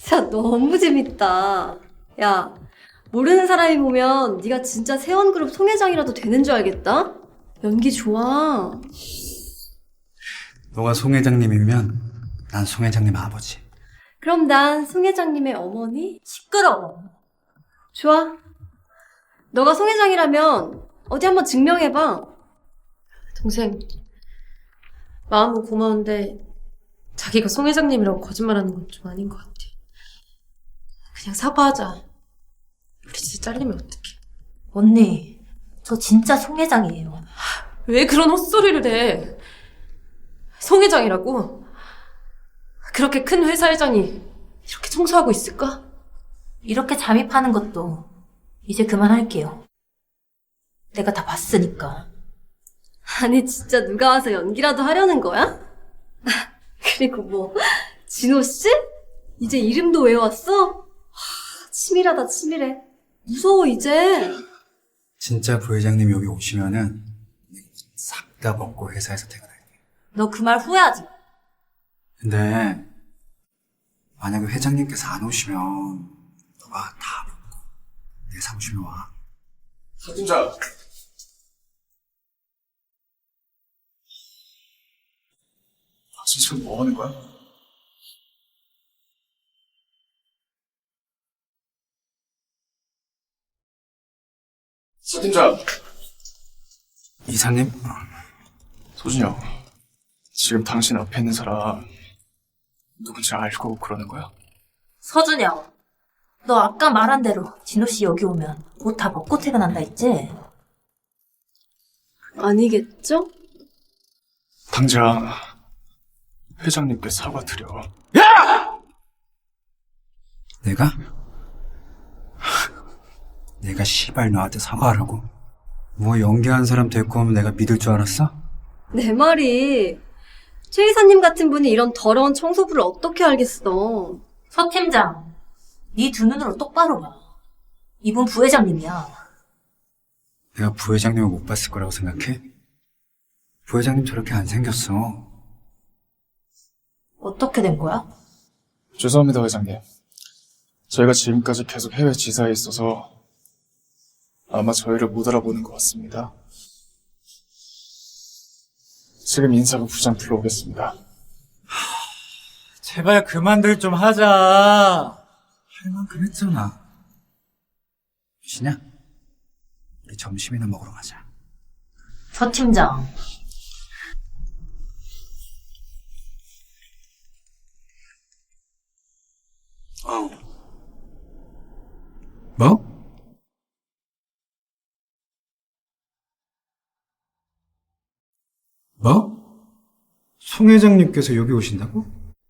진짜 너무 재밌다. 야, 모르는 사람이 보면 네가 진짜 세원그룹 송 회장이라도 되는 줄 알겠다? 연기 좋아. 너가 송 회장님이면 난 송 회장님 아버지. 그럼 난 송 회장님의 어머니? 시끄러워. 좋아. 너가 송 회장이라면 어디 한번 증명해봐. 동생, 마음은 고마운데 자기가 송 회장님이라고 거짓말하는 건 좀 아닌 것 같아. 그냥 사과하자. 우리 진짜 잘리면 어떡해. 언니, 저 진짜 송 회장이에요. 왜 그런 헛소리를 해? 송 회장이라고? 그렇게 큰 회사 회장이 이렇게 청소하고 있을까? 이렇게 잠입하는 것도 이제 그만할게요. 내가 다 봤으니까. 아니 진짜 누가 와서 연기라도 하려는 거야? 그리고 뭐 진호 씨? 이제 이름도 외워왔어? 치밀하다 치밀해. 무서워 이제. 진짜 부회장님 여기 오시면은 싹 다 먹고 회사에서 퇴근할게. 너 그 말 후회하지 마. 근데 만약에 회장님께서 안 오시면 너가 다 먹고 내 사무실로 와. 서팀장. 지금 뭐 하는 거야? 서팀장. 이사님? 소준이 형. 지금 당신 앞에 있는 사람 누군지 알고 그러는 거야? 서준영, 너 아까 말한 대로 진호 씨 여기 오면 옷 다 벗고 퇴근한다 했지? 아니겠죠? 당장 회장님께 사과드려. 내가? 내가 시발 너한테 사과하라고? 뭐 연기한 사람 데리고 오면 내가 믿을 줄 알았어? 내 말이 최 이사님 같은 분이 이런 더러운 청소부를 어떻게 알겠어. 서 팀장, 네 두 눈으로 똑바로 봐. 이분 부회장님이야. 내가 부회장님을 못 봤을 거라고 생각해? 부회장님 저렇게 안 생겼어. 어떻게 된 거야? 죄송합니다, 회장님. 저희가 지금까지 계속 해외 지사에 있어서 아마 저희를 못 알아보는 것 같습니다. 지금 인사부 부장 불러오겠습니다. 제발 그만들 좀 하자. 할 만큼 했잖아. 유진아, 우리 점심이나 먹으러 가자. 서 팀장, 뭐? 뭐? 송 회장님께서 여기 오신다고?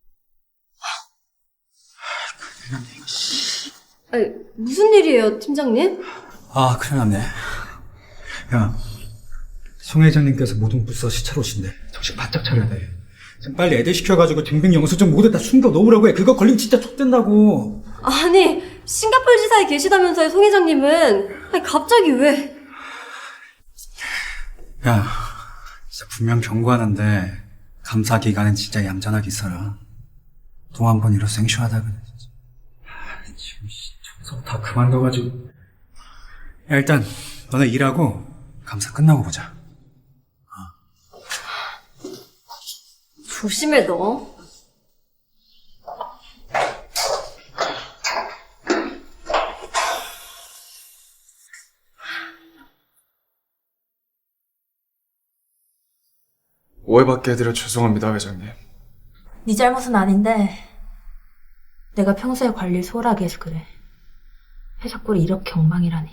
아니, 무슨 일이에요, 팀장님? 아, 큰일 났네. 야, 송 회장님께서 모든 부서 시찰 오신대. 정신 바짝 차려야 돼. 지금 빨리 애들 시켜가지고 등등 영수증 모두 다 숨겨 놓으라고 해. 그거 걸리면 진짜 촉된다고. 아니, 싱가포르 지사에 계시다면서요, 송 회장님은. 아니, 갑자기 왜? 야, 진짜 분명 경고하는데 감사 기간엔 진짜 얌전하게 있어라. 또 한 번 이러 생쇼하다 그래. 진짜. 지금 청소 다 그만둬가지고. 야, 일단 너네 일하고 감사 끝나고 보자. 조심해, 너. 오해받게 해드려 죄송합니다, 회장님. 네 잘못은 아닌데 내가 평소에 관리를 소홀하게 해서 그래. 회사 꼴이 이렇게 엉망이라니.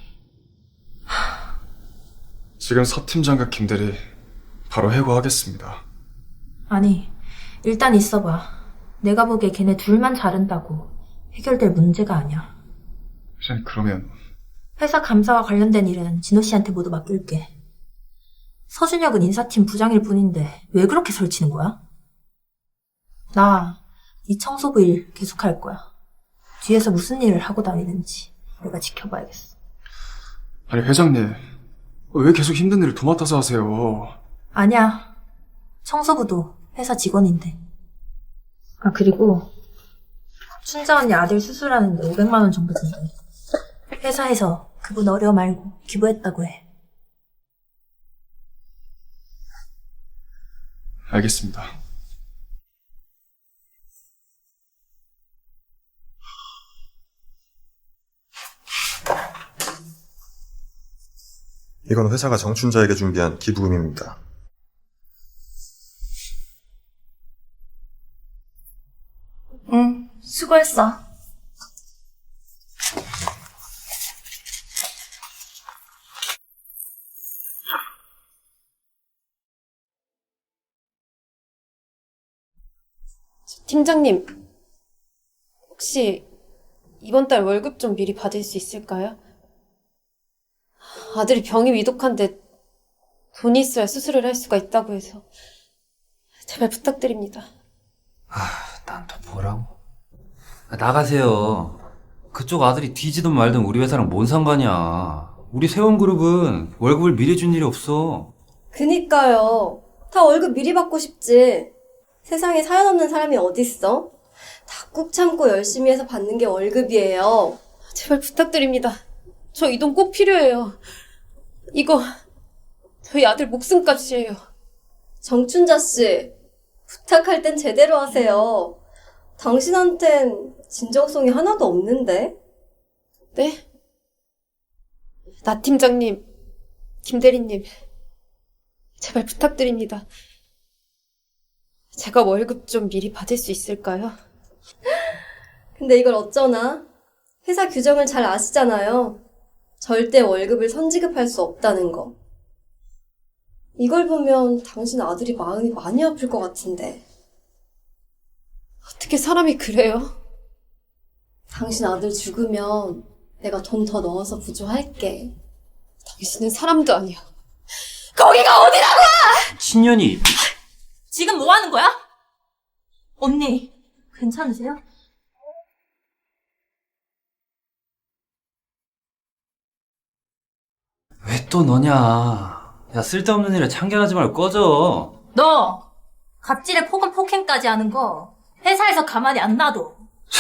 지금 서 팀장과 김 대리 바로 해고하겠습니다. 아니, 일단 있어봐. 내가 보기에 걔네 둘만 자른다고 해결될 문제가 아니야. 회장님, 그러면 회사 감사와 관련된 일은 진호 씨한테 모두 맡길게. 서준혁은 인사팀 부장일 뿐인데 왜 그렇게 설치는 거야? 나 이 청소부 일 계속할 거야. 뒤에서 무슨 일을 하고 다니는지 내가 지켜봐야겠어. 아니 회장님, 왜 계속 힘든 일을 도맡아서 하세요? 아니야. 청소부도 회사 직원인데. 아, 그리고 춘자 언니 아들 수술하는데 500만 원 정도 든대. 회사에서 그분 어려워 말고 기부했다고 해. 알겠습니다. 이건 회사가 정춘자에게 준비한 기부금입니다. 응, 수고했어. 팀장님, 혹시 이번 달 월급 좀 미리 받을 수 있을까요? 아들이 병이 위독한데 돈이 있어야 수술을 할 수가 있다고 해서 제발 부탁드립니다. 난 또 뭐라고? 나가세요. 그쪽 아들이 뒤지든 말든 우리 회사랑 뭔 상관이야. 우리 세원그룹은 월급을 미리 준 일이 없어. 그니까요. 다 월급 미리 받고 싶지. 세상에 사연 없는 사람이 어딨어? 다 꾹 참고 열심히 해서 받는 게 월급이에요. 제발 부탁드립니다. 저 이 돈 꼭 필요해요. 이거 저희 아들 목숨값이에요. 정춘자 씨, 부탁할 땐 제대로 하세요. 당신한텐 진정성이 하나도 없는데? 네? 나 팀장님, 김 대리님, 제발 부탁드립니다. 제가 월급 좀 미리 받을 수 있을까요? 근데 이걸 어쩌나? 회사 규정을 잘 아시잖아요. 절대 월급을 선지급할 수 없다는 거. 이걸 보면 당신 아들이 마음이 많이 아플 것 같은데. 어떻게 사람이 그래요? 당신 아들 죽으면 내가 돈 더 넣어서 부조할게. 당신은 사람도 아니야. 신년이 지금 뭐 하는 거야? 언니, 괜찮으세요? 왜 또 너냐? 야, 쓸데없는 일에 참견하지 말고 꺼져. 너 갑질에 폭언 폭행까지 하는 거 회사에서 가만히 안 놔둬.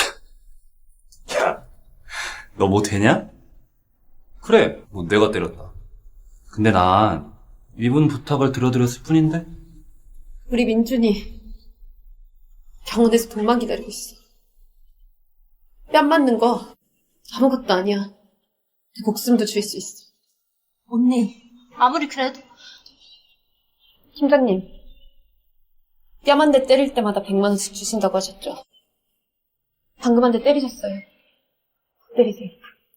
야, 너 뭐 되냐? 그래, 뭐 내가 때렸다. 근데 난 이분 부탁을 들어드렸을 뿐인데? 우리 민준이 병원에서 돈만 기다리고 있어. 뺨 맞는 거 아무것도 아니야. 내 목숨도 줄 수 있어. 언니, 아무리 그래도 팀장님, 뺨 한 대 때릴 때마다 100만 원씩 주신다고 하셨죠? 방금 한 대 때리셨어요. 때리세요.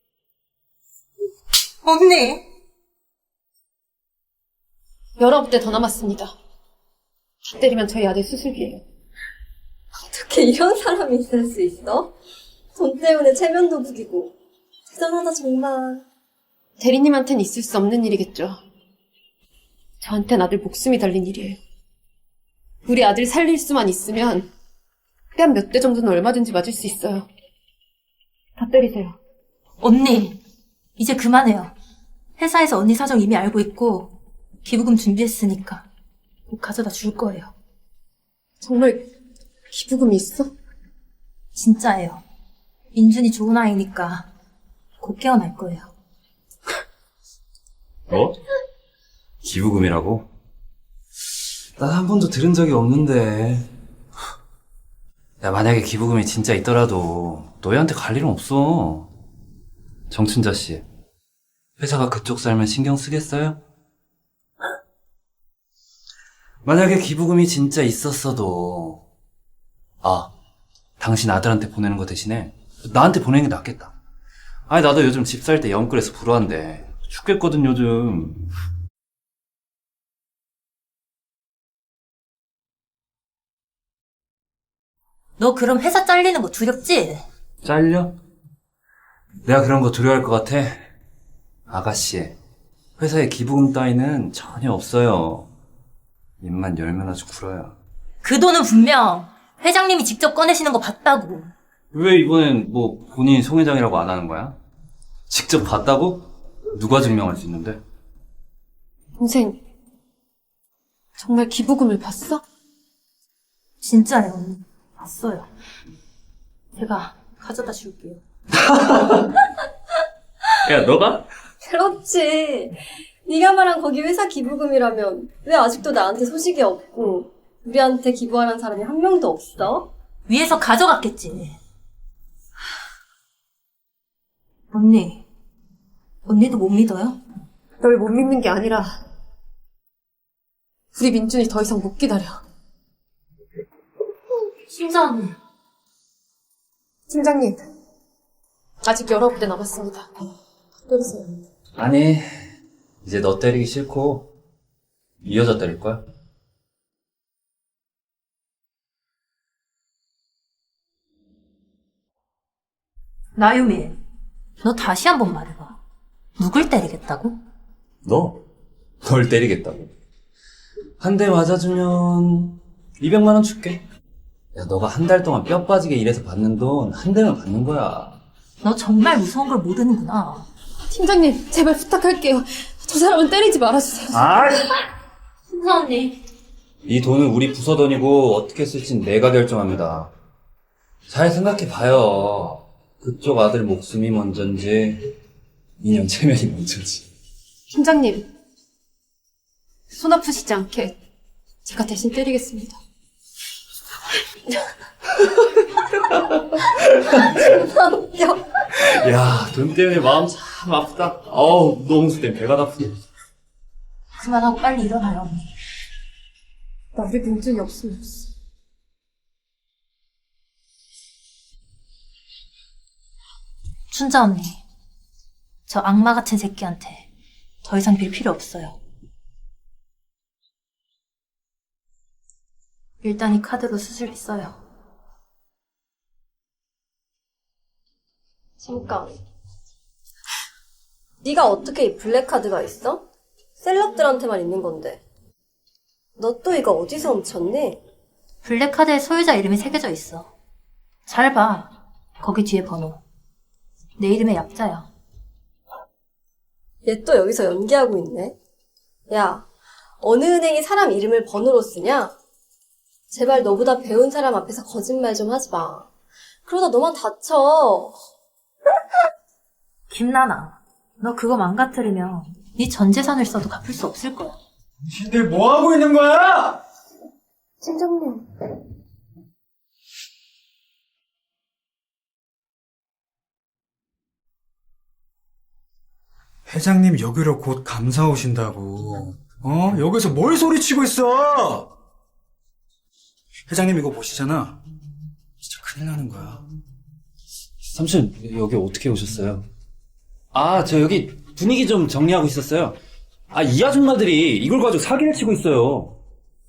언니. 19대 더 남았습니다. 다 때리면 저희 아들 수술비예요. 어떻게 이런 사람이 있을 수 있어? 돈 때문에 체면도 부리고. 대단하다 정말. 대리님한테는 있을 수 없는 일이겠죠. 저한텐 아들 목숨이 달린 일이에요. 우리 아들 살릴 수만 있으면 뺨 몇 대 정도는 얼마든지 맞을 수 있어요. 다 때리세요. 언니, 이제 그만해요. 회사에서 언니 사정 이미 알고 있고 기부금 준비했으니까 꼭 가져다 줄 거예요. 정말 기부금이 있어? 진짜예요. 민준이 좋은 아이니까 곧 깨어날 거예요. 뭐? 기부금이라고? 난 한 번도 들은 적이 없는데. 야, 만약에 기부금이 진짜 있더라도 너희한테 갈 일은 없어. 정춘자 씨, 회사가 그쪽 살면 신경 쓰겠어요? 만약에 기부금이 진짜 있었어도, 당신 아들한테 보내는 거 대신에 나한테 보내는 게 낫겠다. 아니, 나도 요즘 집 살 때 영끌해서 불효한데 죽겠거든 요즘. 너 그럼 회사 잘리는 거 두렵지? 잘려? 내가 그런 거 두려워할 것 같아? 아가씨, 회사에 기부금 따위는 전혀 없어요. 입만 열면 아주 굴어요. 그 돈은 분명 회장님이 직접 꺼내시는 거 봤다고. 왜 이번엔 뭐 본인이 송 회장이라고 안 하는 거야? 직접 봤다고? 누가 증명할 수 있는데? 동생, 정말 기부금을 봤어? 진짜예요, 언니. 봤어요. 제가 가져다 줄게요. 야, 너가? 그렇지. 네가 말한 거기 회사 기부금이라면 왜 아직도 나한테 소식이 없고 우리한테 기부하는 사람이 한 명도 없어? 위에서 가져갔겠지. 언니도 못 믿어요? 널 못 믿는 게 아니라 우리 민준이 더 이상 못 기다려. 심자 언니. 팀장님, 아직 여러 군데 남았습니다. 때리세요. 아니, 이제 너 때리기 싫고 이 여자 때릴 거야? 나유미, 너 다시 한 번 말해봐. 누굴 때리겠다고? 널 때리겠다고. 한 대 맞아주면 200만 원 줄게. 야, 너가 한 달 동안 뼈 빠지게 일해서 받는 돈 한 대면 받는 거야. 너 정말 무서운 걸 모르는구나. 팀장님, 제발 부탁할게요. 저 사람은 때리지 말아주세요. 심자 언니. 이 돈은 우리 부서 돈이고 어떻게 쓸진 내가 결정합니다. 잘 생각해봐요. 그쪽 아들 목숨이 먼저인지 인연 체면이 먼저인지. 팀장님, 손 아프시지 않게 제가 대신 때리겠습니다. 야, 돈 때문에 마음 참 아프다. 어우, 너무 수 때문에 배가 나쁘네. 그만하고 빨리 일어나요, 언니. 나 우리 민준이 없으면 없어. 춘자 언니. 저 악마 같은 새끼한테 더 이상 빌 필요 없어요. 일단 이 카드로 수술했어요. 잠깐. 네가 어떻게 이 블랙카드가 있어? 셀럽들한테만 있는 건데. 너 또 이거 어디서 훔쳤니? 블랙카드에 소유자 이름이 새겨져 있어. 잘 봐. 거기 뒤에 번호. 내 이름의 약자야. 얘 또 여기서 연기하고 있네. 야, 어느 은행이 사람 이름을 번호로 쓰냐? 제발 너보다 배운 사람 앞에서 거짓말 좀 하지 마. 그러다 너만 다쳐. 김나나, 너 그거 망가뜨리면 네 전 재산을 써도 갚을 수 없을 거야. 당신들 뭐 하고 있는 거야? 팀장님. 회장님 여기로 곧 감사 오신다고. 여기서 뭘 소리치고 있어? 회장님 이거 보시잖아. 진짜 큰일 나는 거야. 삼촌, 여기 어떻게 오셨어요? 아, 저 여기 분위기 좀 정리하고 있었어요. 아, 이 아줌마들이 이걸 가지고 사기를 치고 있어요.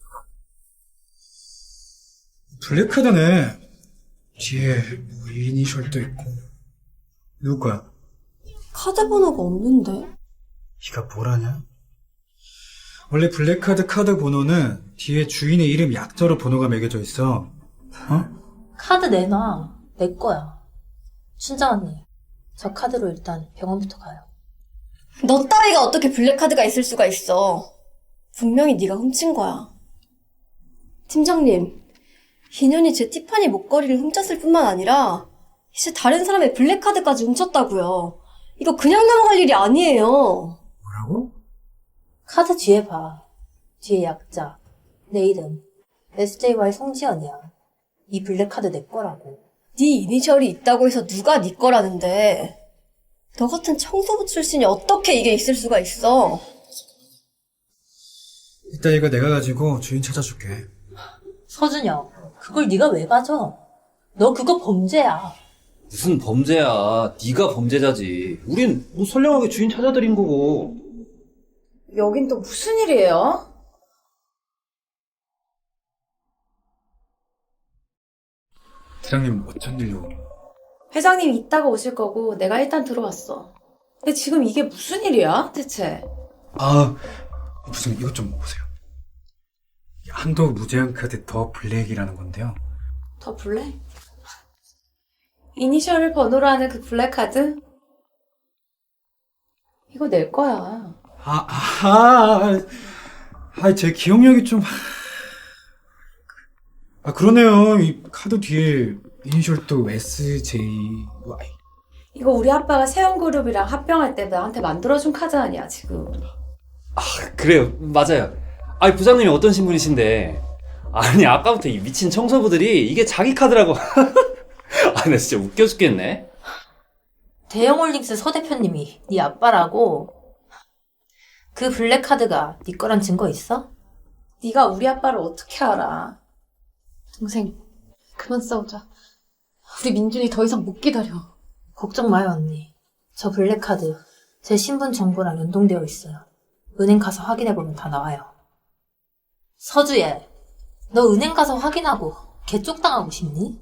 블랙카드네. 뒤에 뭐 이니셜도 있고. 누구 거야? 카드 번호가 없는데? 네가 뭘 아냐? 원래 블랙카드 카드 번호는 뒤에 주인의 이름 약자로 번호가 매겨져 있어. 카드 내놔. 내 거야. 춘자 언니, 저 카드로 일단 병원부터 가요. 너 따위가 어떻게 블랙카드가 있을 수가 있어. 분명히 네가 훔친 거야. 팀장님, 인연이 제 티파니 목걸이를 훔쳤을 뿐만 아니라 이제 다른 사람의 블랙카드까지 훔쳤다고요. 이거 그냥 넘어갈 일이 아니에요. 뭐라고? 카드 뒤에 봐. 뒤에 약자. 내 이름. SJY 송지연이야. 이 블랙카드 내 거라고. 네 이니셜이 있다고 해서 누가 네 거라는데. 너 같은 청소부 출신이 어떻게 이게 있을 수가 있어. 이따 이거 내가 가지고 주인 찾아줄게. 서준혁, 그걸 네가 왜 가져? 너 그거 범죄야. 무슨 범죄야. 네가 범죄자지. 우린 뭐 선량하게 주인 찾아드린 거고. 여긴 또 무슨 일이에요? 사장님 어쩐 일로? 회장님 이따가 오실 거고 내가 일단 들어왔어. 근데 지금 이게 무슨 일이야, 대체? 무슨 이것 좀 보세요. 한도 무제한 카드 더 블랙이라는 건데요. 더 블랙? 이니셜을 번호로 하는 그 블랙카드? 이거 내 거야. 제 기억력이 좀. 그러네요. 이 카드 뒤에 이니셜도 SJY. 이거 우리 아빠가 세연그룹이랑 합병할 때 나한테 만들어준 카드 아니야, 지금. 그래요, 맞아요. 아니, 부장님이 어떤 신분이신데. 아니, 아까부터 이 미친 청소부들이 이게 자기 카드라고. 아, 나 진짜 웃겨 죽겠네. 대형홀딩스 서 대표님이 네 아빠라고? 그 블랙카드가 네 거란 증거 있어? 네가 우리 아빠를 어떻게 알아? 동생, 그만 싸우자. 우리 민준이 더 이상 못 기다려. 걱정 마요, 언니. 저 블랙카드 제 신분 정보랑 연동되어 있어요. 은행 가서 확인해보면 다 나와요. 서주예, 너 은행 가서 확인하고 개쪽당하고 싶니?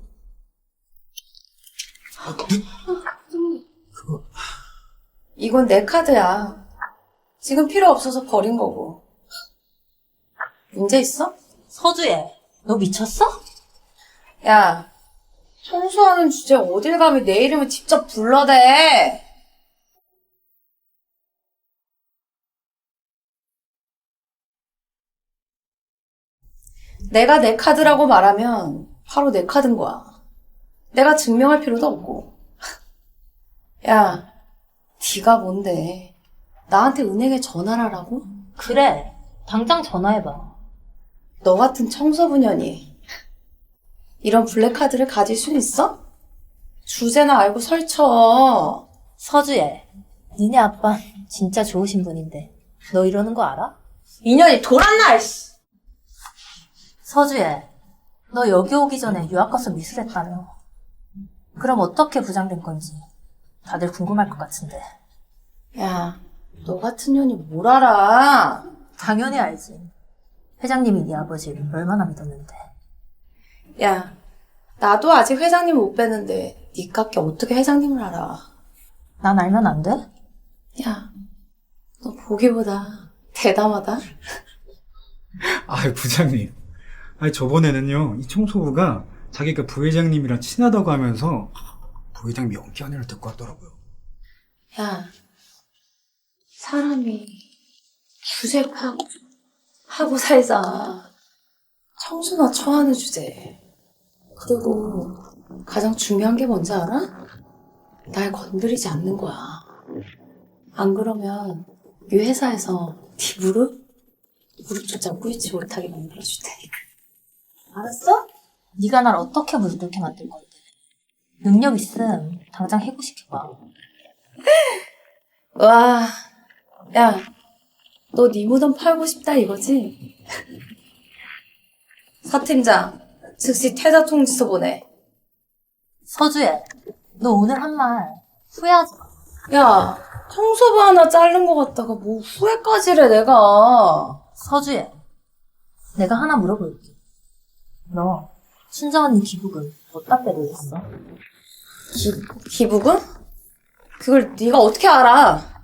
이건 내 카드야. 지금 필요 없어서 버린 거고. 문제 있어? 서주예, 너 미쳤어? 야, 청소하는 주제 어딜 감히 내 이름을 직접 불러대. 내가 내 카드라고 말하면 바로 내 카드인 거야. 내가 증명할 필요도 없고. 야, 네가 뭔데? 나한테 은행에 전화를 하라고? 그래, 당장 전화해봐. 너 같은 청소부년이 이런 블랙카드를 가질 수 있어? 주제나 알고 설쳐. 서주예, 니네 아빠 진짜 좋으신 분인데 너 이러는 거 알아? 인연이 돌았나, 이씨. 서주예, 너 여기 오기 전에 유학 가서 미술했다며. 그럼 어떻게 부장된 건지 다들 궁금할 것 같은데. 야, 너 같은 년이 뭘 알아? 당연히 알지. 회장님이 네 아버지를 얼마나 믿었는데. 야, 나도 아직 회장님 못 뵀는데 니깎게 어떻게 회장님을 알아? 난 알면 안 돼? 야, 너 보기보다 대담하다. 아, 부장님. 아니, 저번에는요, 이 청소부가 자기가 부회장님이랑 친하다고 하면서 부회장 명기한회를 듣고 왔더라고요. 야, 사람이 주제 하고 살자. 청소나 처하는 주제. 그리고 가장 중요한 게 뭔지 알아? 날 건드리지 않는 거야. 안 그러면 이 회사에서 네 무릎조차 꿇지 못하게 만들어줄 테니까. 알았어? 네가 날 어떻게 물들게 만들 건데. 능력 있음 당장 해고시켜봐. 와, 야, 너 네 무덤 팔고 싶다 이거지? 서 팀장, 즉시 퇴사 통지서 보내. 서주예, 너 오늘 한 말 후회하지 마. 야, 청소부 하나 자른 것 같다가 뭐 후회까지래 내가. 서주예, 내가 하나 물어볼게. 너 순정 언니 기부금 어디다 빼고 있어? 기부금? 그걸 네가 어떻게 알아?